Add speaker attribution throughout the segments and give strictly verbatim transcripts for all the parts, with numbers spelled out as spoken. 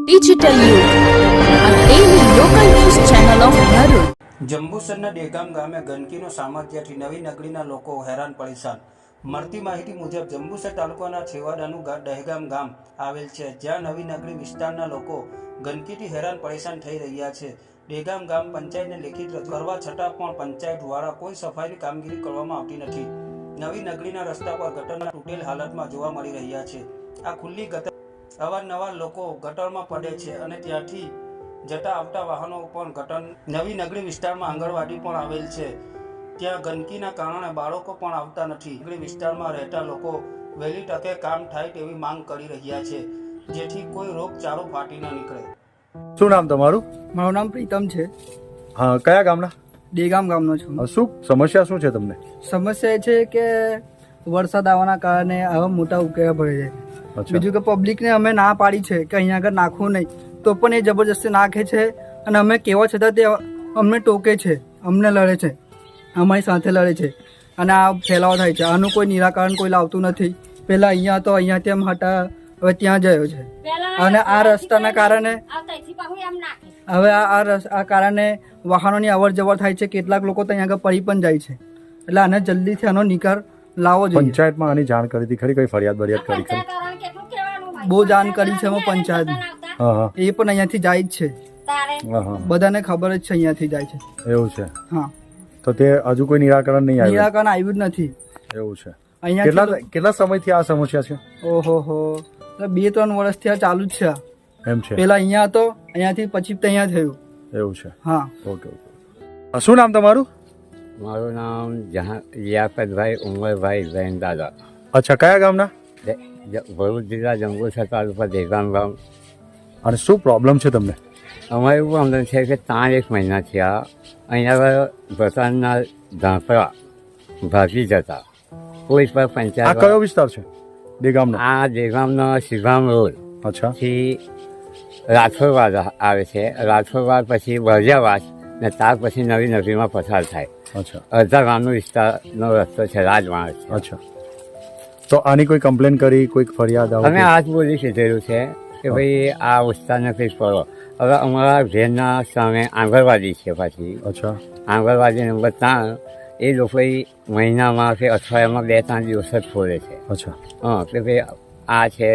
Speaker 1: Digital Youth, a daily local news channel of Narud.
Speaker 2: જંબુસરના ડેગામ ગામે ગંદકીનો સામર્થ્યથી નવી નગરીના લોકો હેરાન પરેશાન. મળતી માહિતી મુજબ જંબુસર તાલુકાના છેવાડાનું દહેગામ ગામ આવેલ છે, જ્યાં નવી નગરી વિસ્તારના લોકો ગંદકીથી હેરાન પરેશાન થઈ રહ્યા છે. ડેગામ ગામ પંચાયતને લેખિત રજૂઆત કરવા છતાં પણ પંચાયત દ્વારા કોઈ સફાઈની કામગીરી કરવામાં આવતી નથી. નવી નગરીના રસ્તા પર ગટરના તૂટેલ હાલતમાં જોવા મળી રહ્યા છે. આ ખુલ્લી ગટર અવારનવાર લોકો ગટરમાં પડે છે અને ત્યાંથી જતા આવતા વાહનો પણ ગટર. નવી નગરી વિસ્તારમાં આંગણવાડી પણ આવેલ છે, ત્યાં ગંદકીના કારણે બાળકો પણ આવતા નથી. નગરી વિસ્તારમાં રહેતા લોકો વહેલી તકે કામ થાય તેવી માંગ કરી રહ્યા છે, જેથી કોઈ રોગચાળો ફાટી ન નીકળે.
Speaker 3: શું નામ તમારું?
Speaker 4: મારું નામ પ્રીતમ છે.
Speaker 3: હા, કયા ગામના?
Speaker 4: ડેગામ ગામનો છું.
Speaker 3: શું સમસ્યા શું છે તમને?
Speaker 4: સમસ્યા એ છે કે વરસાદ આવવાના કારણે આવા મોટા ઉકેલા ભરે છે. બીજું કે પબ્લિકને અમે ના પાડી છે કે અહીંયા આગળ નાખવું નહીં, તો પણ એ જબરજસ્તી નાખે છે અને અમે કહેવા છતાં તે અમને ટોકે છે, અમને લડે છે, અમારી સાથે લડે છે અને આ ફેલાવો થાય છે. આનું કોઈ નિરાકરણ કોઈ લાવતું નથી. પહેલાં અહીંયા તો અહીંયા તેમ હટા, હવે ત્યાં ગયો છે અને આ રસ્તાના કારણે હવે આ આ રસ આ કારણે વાહનોની અવર જવર થાય છે. કેટલાક લોકો તો અહીંયા આગળ પડી પણ જાય છે. એટલે આને જલ્દીથી આનો નિકાલ લાવવો જોઈએ.
Speaker 3: પંચાયતમાં આની જાણ કરી હતી ખરી? કઈ ફરિયાદ બરિયાદ કરી ખરી?
Speaker 4: બહુ જાણ કરી છે અમે પંચાયતમાં.
Speaker 3: હા હા,
Speaker 4: એ પણ અહીંયાથી જાય જ છે.
Speaker 3: હા હા,
Speaker 4: બધાને ખબર જ છે અહીંયાથી જાય છે.
Speaker 3: એવું છે.
Speaker 4: હા,
Speaker 3: તો તે હજુ કોઈ નિરાકરણ નહીં આવ્યું?
Speaker 4: નિરાકરણ આવ્યું જ નથી.
Speaker 3: એવું છે.
Speaker 4: અહીંયા
Speaker 3: કેટલા કેટલા સમયથી આ સમસ્યા છે?
Speaker 4: ઓહો હો, બે ત્રણ વર્ષથી આ ચાલુ જ છે.
Speaker 3: એમ છે.
Speaker 4: પેલા અહીંયા હતો, અહીંયાથી પછી ત્યાં થયું.
Speaker 3: એવું છે.
Speaker 4: હા.
Speaker 3: Okay okay. શું નામ તમારું?
Speaker 5: મારું નામ જહાં લિયાકતભાઈ ઉમરભાઈ જૈન દાદા.
Speaker 3: અચ્છા, કયા ગામના?
Speaker 5: ભરૂચ જિલ્લા જંબુસર તાલુકા દેગામ ગામ.
Speaker 3: અને શું પ્રોબ્લેમ છે તમને?
Speaker 5: અમારે એવું પ્રોબ્લેમ છે કે ત્રણ એક મહિના થયા અહીંયા ભસાનના ધાંપડા ભાગી જતા. કોઈ પર
Speaker 3: આ
Speaker 5: પંચાયત.
Speaker 3: કયો વિસ્તાર છે દેગામનો?
Speaker 5: આ દેગામનો શિગામ રોડ
Speaker 3: અચ્છા.
Speaker 5: થી રાઠોડવાડ આવે છે. રાઠોડવાડ પછી બળિયાવાસ ને ત્યાર પછી નવી નગરીમાં પસાર થાય.
Speaker 3: અચ્છા
Speaker 5: અડધા ગામનો વિસ્તારનો રસ્તો છે, રાજમાર્ગ છે.
Speaker 3: અચ્છા, તો આની કોઈ કમ્પ્લેન કરી, કોઈ ફરિયાદ આવે?
Speaker 5: અમે આજ બોલી કીધેલું છે કે ભાઈ આ વિસ્તારને કંઈક કરો. હવે અમારા ઘેરના સામે આંગણવાડી છે. પાછી
Speaker 3: અચ્છા,
Speaker 5: આંગણવાડી નંબર ત્રણ એ લોકો મહિનામાં કે અઠવાડિયામાં બે ત્રણ દિવસ જ ખોલે છે.
Speaker 3: અચ્છા.
Speaker 5: હા, કે ભાઈ આ છે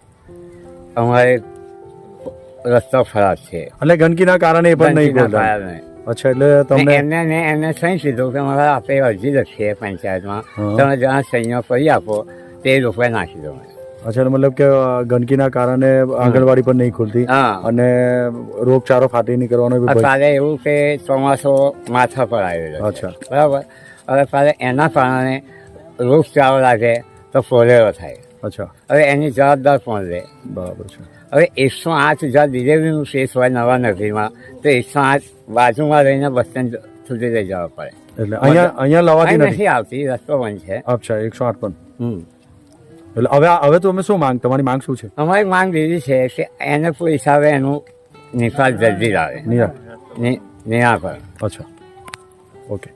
Speaker 5: અમારે રસ્તો ખરાબ છે.
Speaker 3: એટલે ગંદકીના કારણે એ પણ નહીં
Speaker 5: ગંદકીના
Speaker 3: બોલતા?
Speaker 5: કારણે.
Speaker 3: અચ્છા, એટલે તમને
Speaker 5: એમને ને એમને સહી કીધું કે મારે આપણે અરજી લખીએ પંચાયતમાં,
Speaker 3: હા.
Speaker 5: તમે જ્યાં સહીઓ કરી આપો તે લોકોએ નાખી દો.
Speaker 3: અચ્છા, મતલબ કે ગંદકીના કારણે આંગણવાડી પણ નહીં ખુલતી
Speaker 5: હા,
Speaker 3: અને રોગચાળો ફાટી નીકળવાનો બી ભય.
Speaker 5: કાલે એવું કે ચોમાસો માથા પર આવેલો છે.
Speaker 3: અચ્છા.
Speaker 5: બરાબર. હવે કાલે એના કારણે રોગચાળો લાગે તો ફોલેરો થાય.
Speaker 3: અચ્છા,
Speaker 5: હવે એની જવાબદાર કોણ લે?
Speaker 3: બરાબર છે.
Speaker 5: હવે એકસો આઠ હજાર ડિલિવરીનું કેસ હોય નવા નગરીમાં, તો એકસો આઠ બાજુમાં રહીને બસ સ્ટેન્ડ સુધી લઈ જવા પડે.
Speaker 3: એટલે અહીંયા અહીંયા લવાતી
Speaker 5: અહીં
Speaker 3: નથી?
Speaker 5: નથી આવતી, રસ્તો બંધ છે.
Speaker 3: અચ્છા, એકસો આઠ પણ.
Speaker 5: હમ.
Speaker 3: એટલે હવે હવે તો અમે શું માંગ, તમારી માંગ શું છે?
Speaker 5: અમારી માંગ એવી છે કે એને કોઈ હિસાબે એનું નિકાલ જલ્દી લાવે.
Speaker 3: નિરા
Speaker 5: નિરાકરણ.
Speaker 3: અચ્છા, ઓકે.